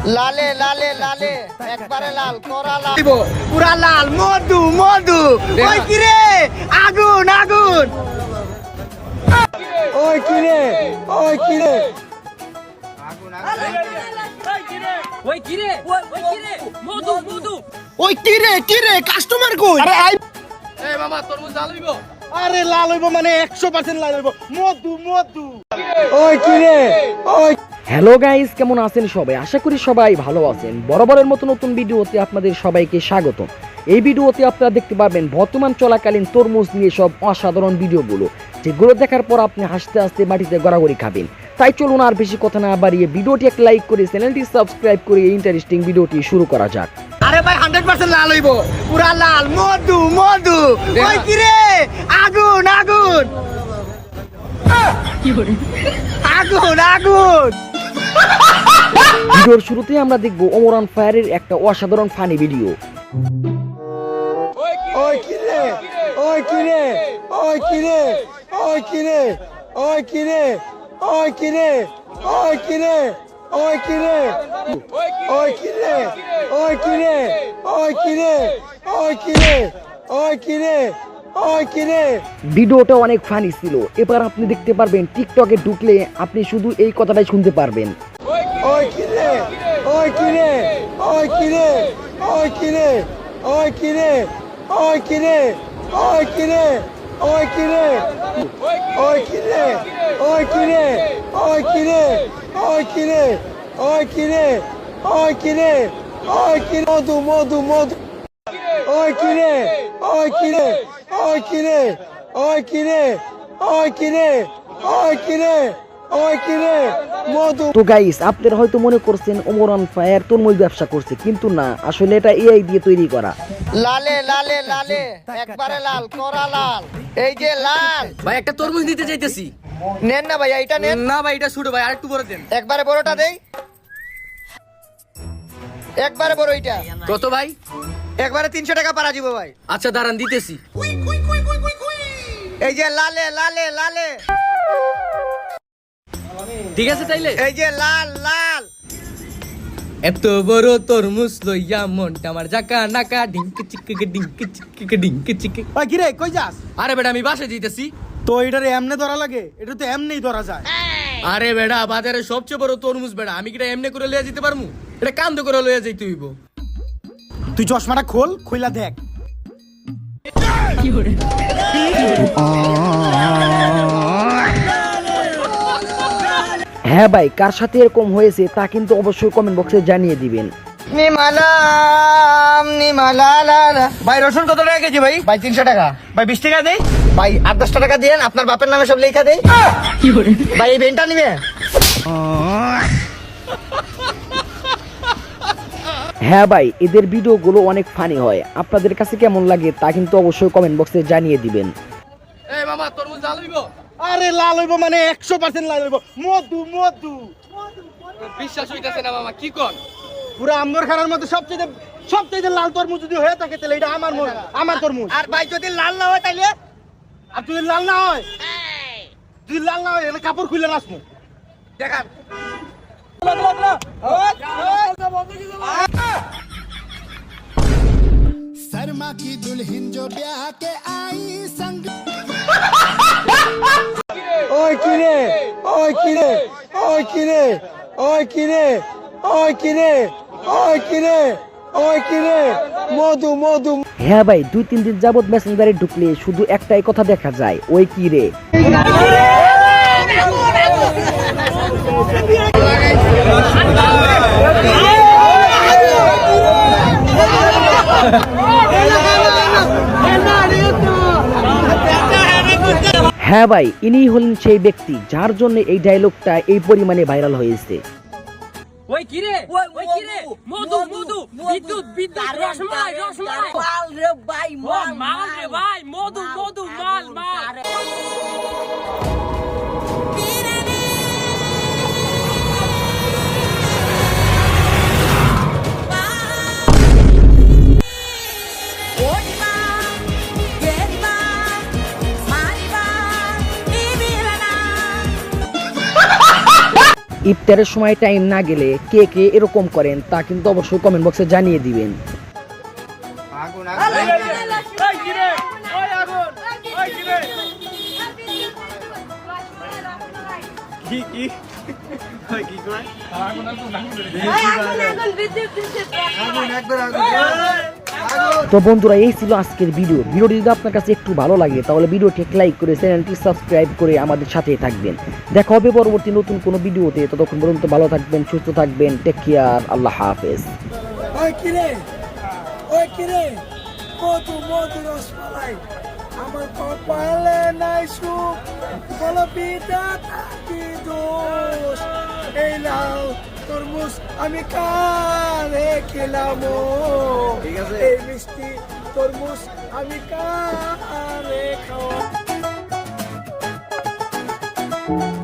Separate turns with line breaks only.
লালে লালে লালে একবারে লাল করা লাল
পুরা লাল মধু মধু ওই কি রে আগুন আগুন ওই কি রে ওই কি রে
ওই কি রে মধু মধু
ওই কি রে কাস্টমার কই আরে
এই মামা তরমুজ লাল হইব
আরে লাল হইব মানে 100% লাল হইব মধু মধু ওই কি রে ওই
হ্যালো গাইস, কেমন আছেন সবাই? আশা করি সবাই ভালো আছেন। বরাবরের মতো নতুন ভিডিওতে আপনাদের সবাইকে স্বাগত। এই ভিডিওতে আপনারা দেখতে পাবেন বর্তমান চলাকালীন তরমুজ নিয়ে সব অসাধারণ ভিডিওগুলো, যেগুলো দেখার পর আপনি হাসতে হাসতে মাটিতে গড়াগড়ি খাবেন। তাই চলুন আর বেশি কথা না বাড়িয়ে ভিডিওটি একটা লাইক করে চ্যানেলটি সাবস্ক্রাইব করে এই ইন্টারেস্টিং ভিডিওটি শুরু করা যাক।
আরে ভাই 100% লাল হইব পুরা লাল মধু মধু ওই কি রে আগুন আগুন আগুন আগুন
ভিডিওর শুরুতে আমরা দেখব ওমর অন ফায়ারের একটা অসাধারণ ফানি ভিডিও।
ওই কি রে ওই কি রে ওই কি রে ওই কি রে ওই কি রে ওই কি রে ওই কি রে ওই কি রে ওই কি রে ওই কি রে ওই কি রে ওই কি রে ওই কি রে ওই কি রে
ভিডিওটা অনেক ফানি ছিল। এবার আপনি দেখতে পারবেন টিকটকে ঢুকলে আপনি শুধু এই কথাটাই শুনতে পারবেন।
ওই কি রে ওই কি রে ওই কি রে ওই কি রে ওই কি রে ওই কি রে ওই কি রে ওই কি রে ওই কি রে ওই কি রে ওই কি রে ওই কি রে ওই কি রে ওই কি রে ওই কি মধু মধু মধু ওই কি রে ওই কি রে ওই কি রে ওই কি রে ওই কি রে ওই কি রে ওই কি রে মধু।
তো গাইস, আপনারা হয়তো মনে করছেন ওমর অন ফায়ার তরমুজ ব্যবসা করছে, কিন্তু না, আসলে এটা এআই দিয়ে তৈরি করা।
লালে লালে লালে একবারে লাল করা লাল এই যে লাল
ভাই একটা তরমুজ নিতে চাইতেছি।
নেন না ভাই এটা নেন
না ভাই এটা ছোট ভাই আরেকটু বড় দেন।
একবারে বড়টা দেই একবারে বড় এইটা
কত ভাই?
একবারে 300 টাকা পারা দিব ভাই।
আচ্ছা দাঁড়ান দিতেছি।
এই যে লালে লালে লালে
ঠিক আছে তাইলে
এই যে লাল লাল
এত বড় তরমুজ লইয়া মনটা আমার জাকা নাকা ডিঙ্কি চিকে ডিঙ্কি চিকে ডিঙ্কি চিকে।
ওই কি রে কই যাস?
আরে বেটা আমি বাসে দিতেছি।
তো এটারে এমনে ধরা লাগে? এটা তো এমনেই ধরা যায়।
আরে বেটা বাজারে সবচেয়ে বড় তরমুজ বেটা, আমি কিটা এমনি করে লইয়া যেতে পারমু? এটা কান্দ করে লইয়া যাইতে হইব।
তুই চশমাটা খোল, খুইলা দেখ।
হ্যাঁ ভাই, কার সাথে এরকম হয়েছে তা কিন্তু অবশ্যই কমেন্ট বক্সে জানিয়ে দিবেন।
নিমালাম নিমালালা ভাই রসুন কত টাকা কেজি ভাই? ভাই 300 টাকা।
ভাই 20 টাকা দেই।
ভাই 8-10 টাকা দিয়েন, আপনার বাপের নামে সব লেখা দেই। ভাই এই বেনটা নিবে?
হ্যাঁ ভাই, এদের ভিডিওগুলো অনেক ফানি হয়। আপনাদের কাছে কেমন লাগে তা কিন্তু অবশ্যই কমেন্ট বক্সে জানিয়ে দিবেন।
এই মামা তরমুজ লাল হইব?
আরে লাল হইব মানে 100% লাল হইব মধু মধু।
বিশ্বাস হইতাছে না মামা, কি কোন?
পুরো আম্বর খানার মধ্যে সবচেয়ে লাল তরমুজ যদি হয়ে থাকে তাহলে এটা আমার তরমুজ।
আর ভাই যদি লাল না হয় তাইলে?
আর যদি লাল না হয়, যদি লাল না হয় এখানে কাপড় খুলে নাচমু।
দেখান
शर्मा की दुल्हन जो ब्याह के आई संग
ওই কি রে ওই কি রে ওই কি রে ওই কি রে ওই কি রে ওই কি রে ওই কি রে মধু মধু।
হ্যাঁ ভাই, 2-3 দিন যাবত মেসেঞ্জারে ঢুকলে শুধু একটাই কথা দেখা যায়, ওই কি রে। হ্যাঁ ভাই, ইনি হলেন সেই ব্যক্তি যার জন্য এই ডায়লগটা এই পরিমাণে ভাইরাল হয়েছে।
ওই কি রে ওই কি রে মধু মধু বিদ্যুৎ বিদ্যুৎ রসমালাই রসমালাই
মাল রে ভাই
মাল রে ভাই মধু মধু মাল মাল।
ইফতারের সময় টাইম না গেলে কে কে এরকম করেন তা কিন্তু অবশ্যই কমেন্ট বক্সে জানিয়ে দিবেন। তো বন্ধুরা এই ছিল আজকের ভিডিওটি যদি আপনার কাছে একটু ভালো লাগে তাহলে ভিডিওটি লাইক করে চ্যানেলটি সাবস্ক্রাইব করে আমাদের সাথেই থাকবেন। দেখা হবে পরবর্তী নতুন কোনো ভিডিওতে, ততক্ষণ পর্যন্ত ভালো থাকবেন, সুস্থ থাকবেন, টেক কেয়ার, আল্লাহ হাফেজ।
ওই কিরে মধু মধু রসমালাই আমার কপালে নাই সুখ বলো পিতা কি দোষ এই নাও তরমুজ আমি কারে খেলামো এই মিষ্টি তরমুজ আমি কারে খাওয়া